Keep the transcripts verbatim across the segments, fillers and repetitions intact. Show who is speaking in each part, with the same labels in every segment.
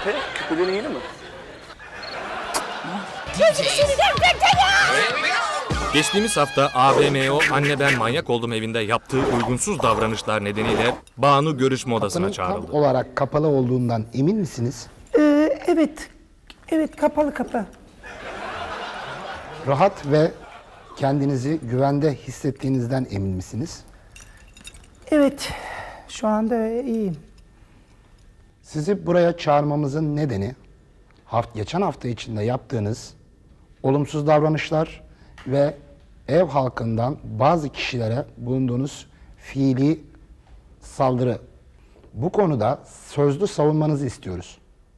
Speaker 1: Küpe, küpelerin yeni mi?
Speaker 2: Geçtiğimiz hafta A V M O Anne Ben Manyak Oldum evinde yaptığı uygunsuz davranışlar nedeniyle Banu görüşme odasına
Speaker 3: Kapının tam
Speaker 2: çağrıldı.
Speaker 3: olarak kapalı olduğundan emin misiniz?
Speaker 4: Ee, evet. Evet, kapalı kapı.
Speaker 3: Rahat ve kendinizi güvende hissettiğinizden emin misiniz?
Speaker 4: Evet. Şu anda iyiyim.
Speaker 3: Sizi buraya çağırmamızın nedeni haft geçen hafta içinde yaptığınız olumsuz davranışlar ve ev halkından bazı kişilere bulunduğunuz fiili saldırı. Bu konuda sözlü savunmanızı istiyoruz.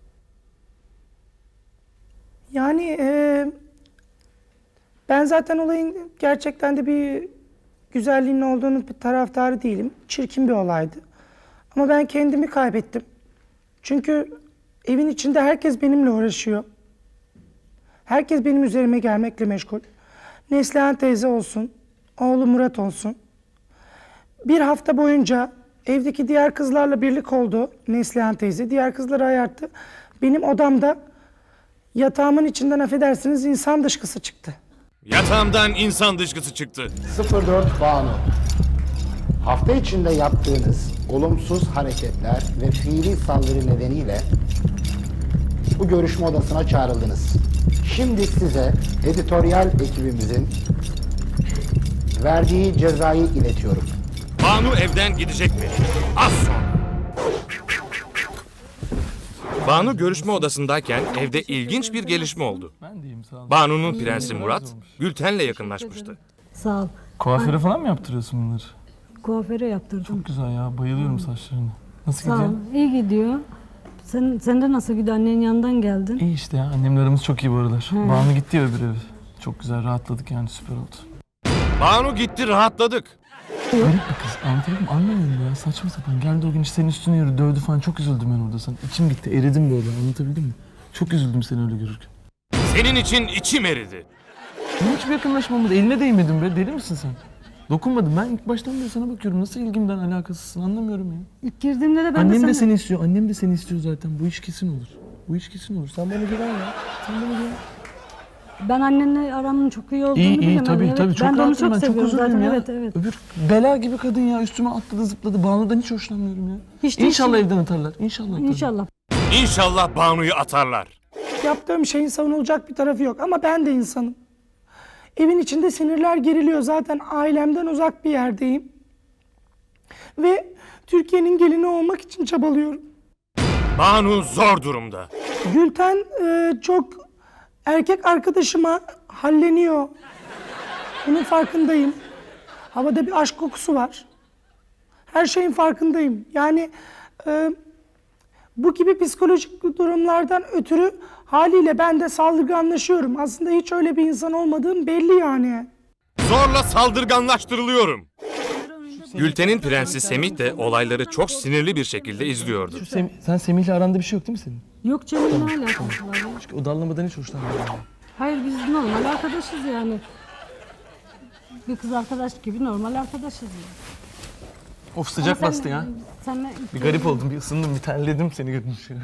Speaker 4: Yani e, ben zaten olayın gerçekten de bir güzelliğinin olduğunu bir taraftarı değilim. Çirkin bir olaydı. Ama ben kendimi kaybettim. Çünkü evin içinde herkes benimle uğraşıyor. Herkes benim üzerime gelmekle meşgul. Neslihan teyze olsun, oğlu Murat olsun. Bir hafta boyunca evdeki diğer kızlarla birlik oldu Neslihan teyze. Diğer kızları ayarttı. Benim odamda yatağımın içinden affedersiniz insan dışkısı çıktı.
Speaker 2: Yatağımdan insan dışkısı çıktı.
Speaker 3: sıfır dört Banu. Hafta içinde yaptığınız olumsuz hareketler ve fiili saldırı nedeniyle bu görüşme odasına çağrıldınız. Şimdi size editoryal ekibimizin verdiği cezayı iletiyorum.
Speaker 2: Banu evden gidecek mi? Az sonra. Banu görüşme odasındayken evde ilginç bir gelişme oldu.
Speaker 5: Ben deyim sağ ol.
Speaker 2: Banu'nun prensi Murat, Gülten'le yakınlaşmıştı.
Speaker 6: Sağ ol.
Speaker 5: Kuaföre falan mı yaptırıyorsun bunları?
Speaker 6: Kuaföre yaptırdım.
Speaker 5: Çok güzel ya, bayılıyorum saçlarına. Nasıl
Speaker 6: Sağ ol.
Speaker 5: gidiyor?
Speaker 6: İyi gidiyor. Sen, sen de nasıl gidiyor? Annenin yanından geldin.
Speaker 5: İyi işte ya, annemle aramız çok iyi bu aralar. Banu gitti ya öbür eve. Çok güzel, rahatladık yani, süper oldu.
Speaker 2: Banu gitti, rahatladık.
Speaker 5: Garip bir kız, anlatabiliyor muyum? Anlamıyorum ya, saçma sapan. Geldi o gün işte senin üstüne yürü, dövdü falan. Çok üzüldüm ben orada sana. İçim gitti, eridim böyle, anlatabildim mi? Çok üzüldüm seni öyle görürken.
Speaker 2: Senin için içim eridi.
Speaker 5: Benim hiçbir yakınlaşmamız, eline değmedim be, deli misin sen? Dokunmadım, ben ilk baştan beri sana bakıyorum. Nasıl ilgimden alakasızsın, anlamıyorum ya.
Speaker 6: İlk girdiğimde de ben
Speaker 5: Annem
Speaker 6: de,
Speaker 5: de
Speaker 6: sana...
Speaker 5: seni istiyor, annem de seni istiyor zaten. Bu iş kesin olur. Bu iş kesin olur. Sen bana güven ya. Sen bana güven.
Speaker 6: Ben annenle aramın çok iyi olduğunu
Speaker 5: İyi iyi
Speaker 6: biliyorum.
Speaker 5: tabii
Speaker 6: evet.
Speaker 5: tabii. Çok
Speaker 6: ben de onu
Speaker 5: rahatım
Speaker 6: çok
Speaker 5: ben. Çok
Speaker 6: seviyorum
Speaker 5: huzurluyum
Speaker 6: zaten.
Speaker 5: ya.
Speaker 6: Evet evet.
Speaker 5: Öbür bela gibi kadın ya. Üstüme atladı zıpladı. Banu'dan hiç hoşlanmıyorum ya.
Speaker 6: Hiç de
Speaker 5: İnşallah
Speaker 6: hiç-
Speaker 5: evden atarlar. İnşallah atarlar.
Speaker 6: İnşallah.
Speaker 2: İnşallah Banu'yu atarlar.
Speaker 4: Yaptığım şeyin savunulacak bir tarafı yok ama ben de insanım. Evin içinde sinirler geriliyor. Zaten ailemden uzak bir yerdeyim. Ve Türkiye'nin gelini olmak için çabalıyorum.
Speaker 2: Banu zor durumda.
Speaker 4: Gülten e, çok erkek arkadaşıma halleniyor. Bunun farkındayım. Havada bir aşk kokusu var. Her şeyin farkındayım. Yani e, bu gibi psikolojik durumlardan ötürü haliyle ben de saldırganlaşıyorum. Aslında hiç öyle bir insan olmadığım belli yani.
Speaker 2: Zorla saldırganlaştırılıyorum. Gülten'in prensi Semih de olayları çok sinirli bir şekilde izliyordu.
Speaker 5: Şu Sem- sen Semih'le aranda bir şey yok değil mi senin?
Speaker 6: Yok canım ne alakası var ya?
Speaker 5: Çünkü o dallamadan hiç hoşlanmıyorum. yani.
Speaker 6: Hayır biz normal arkadaşız yani. Bir kız arkadaş gibi normal arkadaşız yani.
Speaker 5: Of sıcak
Speaker 6: Ama
Speaker 5: bastı
Speaker 6: sen-
Speaker 5: ya.
Speaker 6: Senle...
Speaker 5: Bir garip oldum, bir ısındım, bir terledim seni görünce.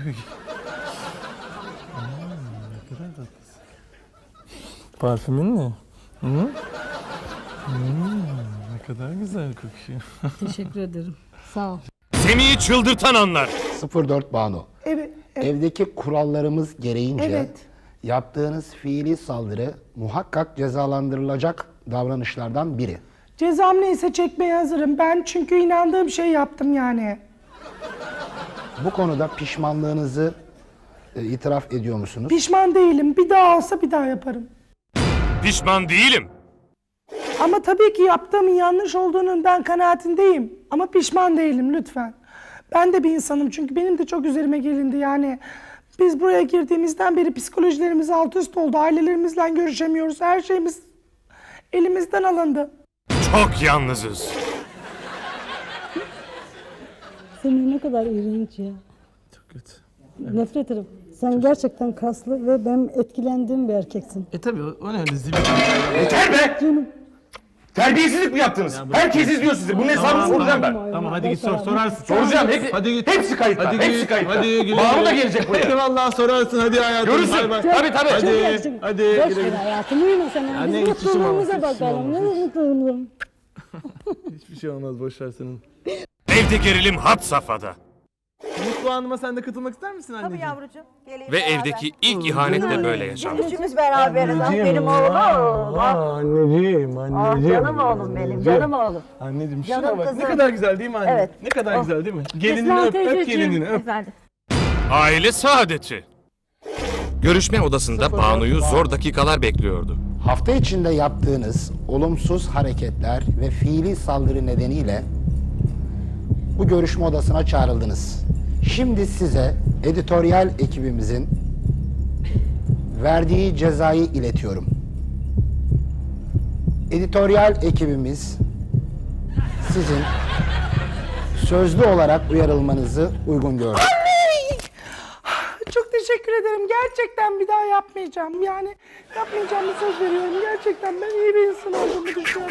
Speaker 5: Parfümün ne? Hı? Hmm, ne kadar güzel kokuyor.
Speaker 6: Teşekkür ederim. Sağ ol.
Speaker 2: Semih'i çıldırtan anlar.
Speaker 3: sıfır dört Banu.
Speaker 4: Evet, evet.
Speaker 3: Evdeki kurallarımız gereğince
Speaker 4: Evet.
Speaker 3: yaptığınız fiili saldırı muhakkak cezalandırılacak davranışlardan biri.
Speaker 4: Cezam neyse çekmeye hazırım. Ben çünkü inandığım şey yaptım yani.
Speaker 3: Bu konuda pişmanlığınızı e, itiraf ediyor musunuz?
Speaker 4: Pişman değilim. Bir daha olsa bir daha yaparım.
Speaker 2: Pişman değilim.
Speaker 4: Ama tabii ki yaptığımın yanlış olduğunun ben kanaatindeyim. Ama pişman değilim lütfen. Ben de bir insanım çünkü benim de çok üzerime gelindi yani. Biz buraya girdiğimizden beri psikolojilerimiz alt üst oldu. Ailelerimizle görüşemiyoruz. Her şeyimiz elimizden alındı.
Speaker 2: Çok yalnızız.
Speaker 6: Senin ne kadar iğrenç ya.
Speaker 5: Çok kötü.
Speaker 6: Nefret ederim. Sen gerçekten kaslı ve ben etkilendiğim bir erkeksin.
Speaker 5: E tabii o, o ne öyle zibil.
Speaker 3: Yeter be!
Speaker 6: Canım.
Speaker 1: Terbiyesizlik mi yaptınız? Herkes izliyor sizi. Bunun hesabını soracağım ben.
Speaker 5: Tamam hadi git sor sorarsın.
Speaker 1: Soracağım. Hep,
Speaker 5: Hadi git.
Speaker 1: hepsi kayıtta.
Speaker 5: Hadi
Speaker 1: hepsi
Speaker 5: git.
Speaker 1: kayıtta.
Speaker 5: Hadi güle
Speaker 1: Banu
Speaker 5: güle.
Speaker 1: da gelecek buraya.
Speaker 5: Eyvallah sorarsın hadi hayatım.
Speaker 1: Görürsün.
Speaker 5: Bay bay.
Speaker 1: Tabii tabii.
Speaker 5: Hadi.
Speaker 6: Gelsin.
Speaker 5: Hadi.
Speaker 6: Boş
Speaker 5: güle
Speaker 6: ver
Speaker 5: güle.
Speaker 6: hayatım, uyuma sen.
Speaker 5: Anne,
Speaker 6: Biz
Speaker 5: hiçbir şey olmaz,
Speaker 6: mutluluğumuza
Speaker 5: hiçbir şey
Speaker 6: bakalım. Ne
Speaker 5: olmaz.
Speaker 6: mutluluğum.
Speaker 5: Hiçbir şey olmaz boş ver senin.
Speaker 2: Evde gerilim had safhada.
Speaker 5: Mutlu Hanım'a sen de katılmak ister misin
Speaker 7: Tabii
Speaker 5: anneciğim?
Speaker 7: yavrucuğum. Geleyim
Speaker 2: Ve
Speaker 7: beraber.
Speaker 2: evdeki ilk ihanet de böyle yaşandı.
Speaker 7: Üçümüz beraberiz. Ah benim oğlum. Ah,
Speaker 5: Anneciğim,
Speaker 7: ah
Speaker 5: anneciğim.
Speaker 7: canım oğlum benim. Canım oğlum.
Speaker 5: Anneciğim
Speaker 7: Canım
Speaker 5: şuna bak. Ne
Speaker 7: kızım.
Speaker 5: kadar güzel değil mi anne?
Speaker 7: Evet.
Speaker 5: Ne kadar
Speaker 7: Oh.
Speaker 5: güzel değil mi? Gelinini
Speaker 6: Esma
Speaker 5: öp, öp
Speaker 6: teyzeciğim.
Speaker 5: gelinini öp.
Speaker 7: Efendim.
Speaker 2: Aile saadeti. Görüşme odasında Banu'yu zor dakikalar bekliyordu.
Speaker 3: Hafta içinde yaptığınız olumsuz hareketler ve fiili saldırı nedeniyle bu görüşme odasına çağrıldınız. Şimdi size editoryal ekibimizin verdiği cezayı iletiyorum. Editoryal ekibimiz sizin sözlü olarak uyarılmanızı uygun gördü.
Speaker 4: Çok teşekkür ederim. Gerçekten bir daha yapmayacağım. Yani yapmayacağımı söz veriyorum. Gerçekten ben iyi bir insan olduğumu düşünüyorum.